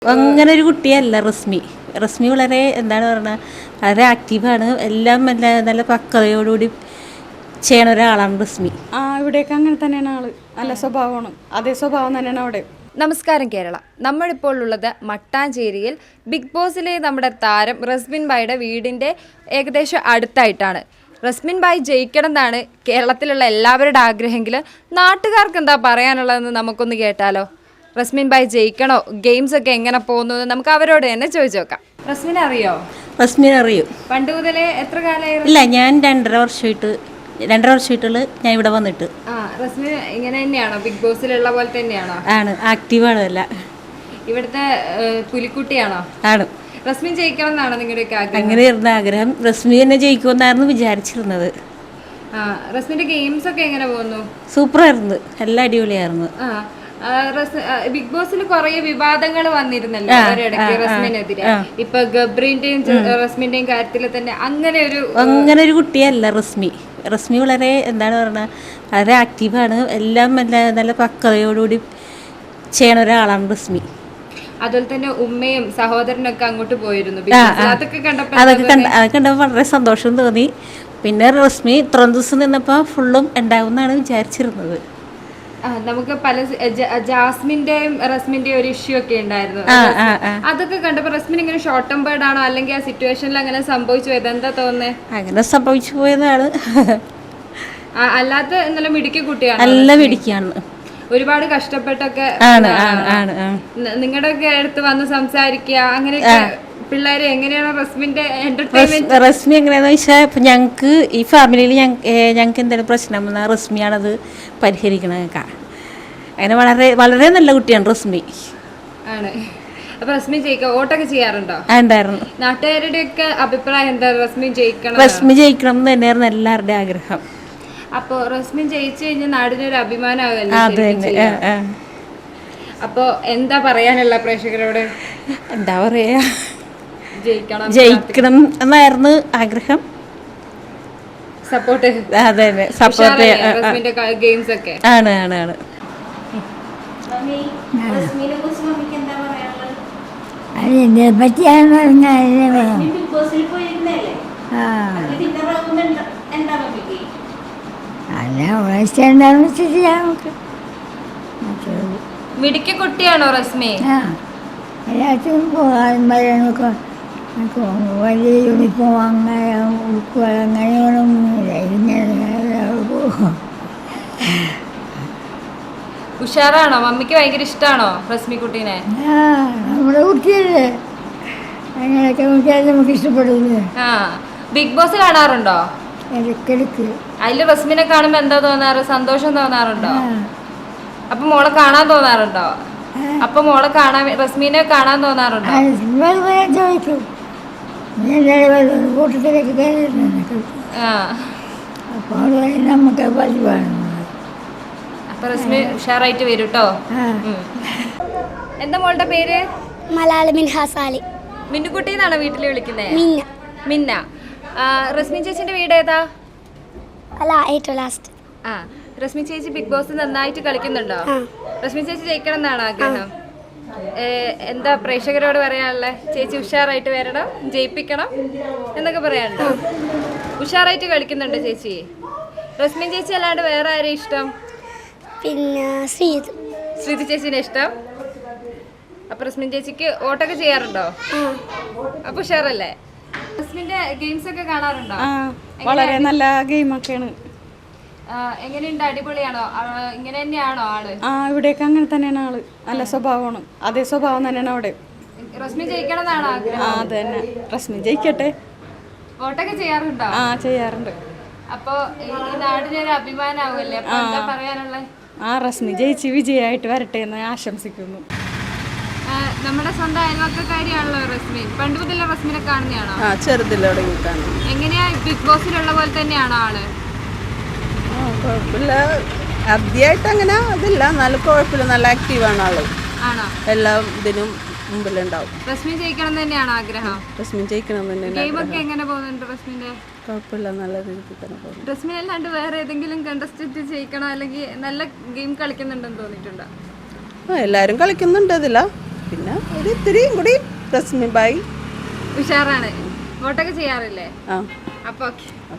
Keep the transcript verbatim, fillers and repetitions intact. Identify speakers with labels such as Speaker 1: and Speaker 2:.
Speaker 1: അങ്ങനെ ഒരു കുട്ടിയല്ല റസ്മി. റസ്മി വളരെ എന്താണ് പറയുക, വളരെ ആക്റ്റീവാണ്. എല്ലാം നല്ല നല്ല പക്വതയോടുകൂടി ചെയ്യണ ഒരാളാണ് റസ്മി.
Speaker 2: ആ ഇവിടെയൊക്കെ അങ്ങനെ തന്നെയാണ് ആള്. നല്ല സ്വഭാവമാണ്. അതേ സ്വഭാവം തന്നെയാണ് അവിടെ.
Speaker 3: നമസ്കാരം കേരള. നമ്മളിപ്പോൾ ഉള്ളത് മട്ടാഞ്ചേരിയിൽ ബിഗ് ബോസിലെ നമ്മുടെ താരം റസ്മിൻ ബായിയുടെ വീടിൻ്റെ ഏകദേശം അടുത്തായിട്ടാണ്. റസ്മിൻ ബായി ജയിക്കണം എന്നാണ് കേരളത്തിലുള്ള എല്ലാവരുടെ ആഗ്രഹമെങ്കിൽ നാട്ടുകാർക്ക് എന്താ പറയാനുള്ളതെന്ന് നമുക്കൊന്ന് കേട്ടാലോ. റസ്മിൻ ബായി ജയിക്കണോ, ഗെയിംസ് ഒക്കെ എങ്ങനെ പോകുന്നു നമുക്ക് അവരോട് തന്നെ ചോദിച്ചു നോക്കാം. റസ്മിനെ അറിയോ?
Speaker 1: റസ്മിനെ അറിയും.
Speaker 3: പണ്ട് മുതലേ എത്ര കാലമായി?
Speaker 1: ഇല്ല, ഞാൻ രണ്ടര വർഷമായിട്ട് രണ്ടര വർഷമായിട്ടുള്ള ഞാൻ ഇവിടെ വന്നിട്ട്.
Speaker 3: ആ റസ്മിൻ ഇങ്ങനെ തന്നെയാണോ, ബിഗ് ബോസിലുള്ള പോലെ തന്നെയാണോ?
Speaker 1: ആണ്, ആക്റ്റീവാണ്. അല്ല,
Speaker 3: ഇവിടുത്തെ പുലിക്കുട്ടിയാണോ?
Speaker 1: ആണ്.
Speaker 3: റസ്മിൻ ജയിക്കണം എന്നാണോ നിങ്ങളുടെയൊക്കെ ആഗ്രഹം?
Speaker 1: അങ്ങനെയായിരുന്നു ആഗ്രഹം. റസ്മി തന്നെ ജയിക്കുമെന്നായിരുന്നു വിചാരിച്ചിരുന്നത്.
Speaker 3: ആ റസ്മിന്റെ ഗെയിംസ് ഒക്കെ എങ്ങനെ പോകുന്നു?
Speaker 1: സൂപ്പറായിരുന്നു, എല്ലാം അടിപൊളിയായിരുന്നു.
Speaker 3: ആ ബിഗ് ബോസിൽ കുറെ വിവാദങ്ങൾ വന്നിരുന്നല്ലോ ഒരിടയ്ക്ക് റസ്മിനെതിരെ. ഇപ്പൊ ഗബ്രീന്റെയും റസ്മിന്റെയും കാര്യത്തിൽ തന്നെ അങ്ങനെ ഒരു
Speaker 1: അങ്ങനെ ഒരു കുട്ടിയല്ല റസ്മി. റസ്മി വളരെ എന്താണ് പറയുക, വളരെ ആക്റ്റീവാണ്. എല്ലാം നല്ല നല്ല പക്വതയോടുകൂടി ചെയ്യണ ഒരാളാണ് റസ്മി.
Speaker 3: അതുപോലെ തന്നെ ഉമ്മയും സഹോദരനൊക്കെ അങ്ങോട്ട് പോയിരുന്നു. അതൊക്കെ കണ്ടപ്പോ
Speaker 1: അതൊക്കെ കണ്ട അതൊക്കെ കണ്ടപ്പോൾ വളരെ സന്തോഷം തോന്നി. പിന്നെ റസ്മി ഇത്രയും ദിവസം നിന്നപ്പോൾ ഫുള്ളും ഉണ്ടാവുമെന്നാണ് വിചാരിച്ചിരുന്നത്.
Speaker 3: നമുക്ക് പല ജാസ്മിന്റെയും റസ്മിന്റെയും ഒരു ഇഷ്യൂ ഒക്കെ ഉണ്ടായിരുന്നു. അതൊക്കെ കണ്ടപ്പോ റസ്മിൻ ഇങ്ങനെ ഷോർട്ട് ടേം ബേർഡ് ആണോ, അല്ലെങ്കിൽ ആ സിറ്റുവേഷനിൽ അങ്ങനെ സംഭവിച്ചു പോയത്? എന്താ തോന്നുന്നത്?
Speaker 1: അങ്ങനെ സംഭവിച്ചു പോയതാണ്.
Speaker 3: അല്ലാത്ത നല്ല മിടുക്കി കുട്ടിയാണ്.
Speaker 1: നല്ല മിടുക്കിയാണ്.
Speaker 3: ഒരുപാട് കഷ്ടപ്പെട്ടൊക്കെ നിങ്ങളുടെ ഒക്കെ അടുത്ത് വന്ന് സംസാരിക്കുക, അങ്ങനെയൊക്കെ പിള്ളേരെ എങ്ങനെയാണ് റസ്മിന്റെ എന്റർടൈൻമെന്റ്?
Speaker 1: റസ്മി എങ്ങനെയാന്ന് വെച്ചാൽ, ഇപ്പൊ ഞങ്ങക്ക് ഈ ഫാമിലിയിൽ ഞങ്ങൾക്ക് എന്തെങ്കിലും പ്രശ്നം വന്നാൽ റസ്മിയാണത് പരിഹരിക്കണൊക്കെ. അങ്ങനെ വളരെ വളരെ നല്ല കുട്ടിയാണ് റസ്മി. ആണ്.
Speaker 3: അപ്പൊ റസ്മി ജയിക്കുക വോട്ടൊക്കെ ചെയ്യാറുണ്ടോ?
Speaker 1: ഉണ്ടായിരുന്നു.
Speaker 3: നാട്ടുകാരുടെ ഒക്കെ അഭിപ്രായം എന്താ? റസ്മി ജയിക്കണം
Speaker 1: റസ്മി ജയിക്കണം എന്ന് തന്നെയായിരുന്നു എല്ലാവരുടെയും ആഗ്രഹം.
Speaker 3: അപ്പൊ റസ്മിൻ ജയിച്ചു കഴിഞ്ഞാൽ നാടിനൊരു അഭിമാനമാകല്ലേ? അപ്പൊ എന്താ പറയാനുള്ള പ്രേക്ഷകരോട്?
Speaker 1: എന്താ പറയാ,
Speaker 3: ജയിക്കണം
Speaker 1: ജയിക്കണം എന്നായിരുന്നു ആഗ്രഹം.
Speaker 3: സപ്പോർട്ട്.
Speaker 1: അതെ അതെ, സപ്പോർട്ട്
Speaker 3: ഗെയിംസ് ഒക്കെ
Speaker 1: ആണ് ആണ് ആണ്.
Speaker 4: അതിനെ പറ്റിയാണ് പറഞ്ഞാൽ
Speaker 3: മിടുക്കി കുട്ടിയാണോ റസ്മി?
Speaker 4: എല്ലാത്തിനും പോകാൻ പറയാനൊക്കെ വലിയ യൂണിഫോം അങ്ങനെ ഉടുക്കുകൾ അങ്ങനെയൊന്നുമില്ല.
Speaker 3: ഉഷാറാണോ? മമ്മിക്ക് ഭയങ്കര ഇഷ്ടമാണോ റസ്മി കുട്ടീനെ?
Speaker 4: ആ നമ്മുടെ കുട്ടിയല്ലേ, അങ്ങനെയൊക്കെ നോക്കിയാൽ നമുക്ക് ഇഷ്ടപ്പെടില്ലേ.
Speaker 3: ആ ബിഗ് ബോസ് കാണാറുണ്ടോ?
Speaker 4: ഇടയ്ക്കിടയ്ക്ക്.
Speaker 3: അതില് റസ്മിനെ കാണുമ്പോ എന്താ തോന്നാറ്? സന്തോഷം തോന്നാറുണ്ടോ? അപ്പൊ മോളെ കാണാൻ തോന്നാറുണ്ടോ? അപ്പൊ മോളെ കാണാൻ, റസ്മിനെ കാണാൻ തോന്നാറുണ്ടോ?
Speaker 4: ചോദിക്കും കൂട്ടത്തിലേക്ക് കയറിയിട്ടുണ്ട്. അപ്പൊ നമുക്ക് പതിവാണ്.
Speaker 3: അപ്പൊ റസ്മി ഉഷാറായിട്ട് വരും കേട്ടോ. എന്താ മോളുടെ പേര്?
Speaker 5: മലയാള മിൻഹാസാലി.
Speaker 3: മിന്നുകുട്ടി എന്നാണോ വീട്ടിൽ വിളിക്കുന്നത്?
Speaker 5: മിന്ന.
Speaker 3: മിന്ന. റസ്മിൻ ചേച്ചിന്റെ വീട് ഏതാ?
Speaker 5: അല്ല, ഏറ്റവും ലാസ്റ്റ്.
Speaker 3: ആ റസ്മിൻ ചേച്ചി ബിഗ് ബോസ് നന്നായിട്ട് കളിക്കുന്നുണ്ടോ? റസ്മിൻ ചേച്ചി ജയിക്കണം എന്നാണ് ആഗ്രഹം. എന്താ പ്രേക്ഷകരോട് പറയാനുള്ളത്? ചേച്ചി ഉഷാറായിട്ട് വരണം, ജയിപ്പിക്കണം എന്നൊക്കെ പറയാനുണ്ടോ? ഉഷാറായിട്ട് കളിക്കുന്നുണ്ടോ ചേച്ചി? റസ്മിൻ ചേച്ചി അല്ലാണ്ട് വേറെ ആരെയും ഇഷ്ടം?
Speaker 5: പിന്നെ ശ്രീത്.
Speaker 3: ശ്രീതി ചേച്ചിനെ ഇഷ്ടം. അപ്പൊ റസ്മിൻ ചേച്ചിക്ക് വോട്ടൊക്കെ ചെയ്യാറുണ്ടോ? അപ്പൊ ഉഷാറല്ലേ? റസ്മിന്റെ ഗെയിംസ് ഒക്കെ കാണാറുണ്ടോ?
Speaker 2: വളരെ നല്ല ഗെയിമൊക്കെയാണ്.
Speaker 3: എങ്ങനെയുണ്ട്? അടിപൊളിയാണോ? ഇങ്ങനെ തന്നെയാണോ ആള്?
Speaker 2: ആ ഇവിടെയൊക്കെ അങ്ങനെ തന്നെയാണ് ആള്. നല്ല സ്വഭാവമാണ്. അതേ സ്വഭാവം തന്നെയാണ് അവിടെ.
Speaker 3: റസ്മി ജയിക്കണം എന്നാണോ ആഗ്രഹം?
Speaker 2: ആ അത് തന്നെ, റസ്മി ജയിക്കട്ടെ.
Speaker 3: വോട്ടൊക്കെ ചെയ്യാറുണ്ടോ?
Speaker 2: ആ ചെയ്യാറുണ്ട്.
Speaker 3: അപ്പൊ ഈ നാടിനൊരു അഭിമാനാവുമല്ലേ? അപ്പൊ എന്താ പറയാനുള്ളത്?
Speaker 2: ആ റസ്മി ജയിച്ച് വിജയമായിട്ട് വരട്ടെ എന്ന് ആശംസിക്കുന്നു.
Speaker 3: നമ്മുടെ സ്വന്തം അയൽവക്കക്കാരിയാണല്ലോ റസ്മിൻ. പണ്ട് മുതലേ റസ്മിനെ കാണുന്നതാണോ?
Speaker 6: ആ ചെറുതിലോടെ കാണും.
Speaker 3: എങ്ങനെയാ ബിഗ് ബോസിലുള്ള പോലെ തന്നെയാണോ ആള്?
Speaker 6: കുഴപ്പമില്ല, ആദ്യമായിട്ട് അങ്ങനെ അതില്ല, എന്നാലും കുഴപ്പമില്ല, നല്ല ആക്റ്റീവാണ് ആള്.
Speaker 3: ആണോ?
Speaker 6: എല്ലാ ഇതിനും മുമ്പിലുണ്ടാവും.
Speaker 3: റസ്മിൻ ജയിക്കണം തന്നെയാണോ ആഗ്രഹം?
Speaker 6: റസ്മിൻ ജയിക്കണം തന്നെ.
Speaker 3: ഗെയിമൊക്കെ എങ്ങനെ പോകുന്നുണ്ട് റസ്മിന്റെ?
Speaker 6: കുഴപ്പമില്ല, നല്ല രീതിയിൽ തന്നെ പോകുന്നു.
Speaker 3: റസ്മിൻ അല്ലാണ്ട് വേറെ ഏതെങ്കിലും കണ്ടസ്റ്റന്റ് ജയിക്കണോ, അല്ലെങ്കിൽ നല്ല ഗെയിം കളിക്കുന്നുണ്ടെന്ന് തോന്നിയിട്ടുണ്ടോ?
Speaker 6: ആ എല്ലാവരും കളിക്കുന്നുണ്ട്. അതില്ല പിന്നെ ഒരു ഇത്തിരിയും കൂടി റസ്മി ബായി
Speaker 3: ഉഷാറാണ് വോട്ടൊക്കെ ചെയ്യാറില്ലേ
Speaker 6: ആ
Speaker 3: അപ്പൊ ഓക്കെ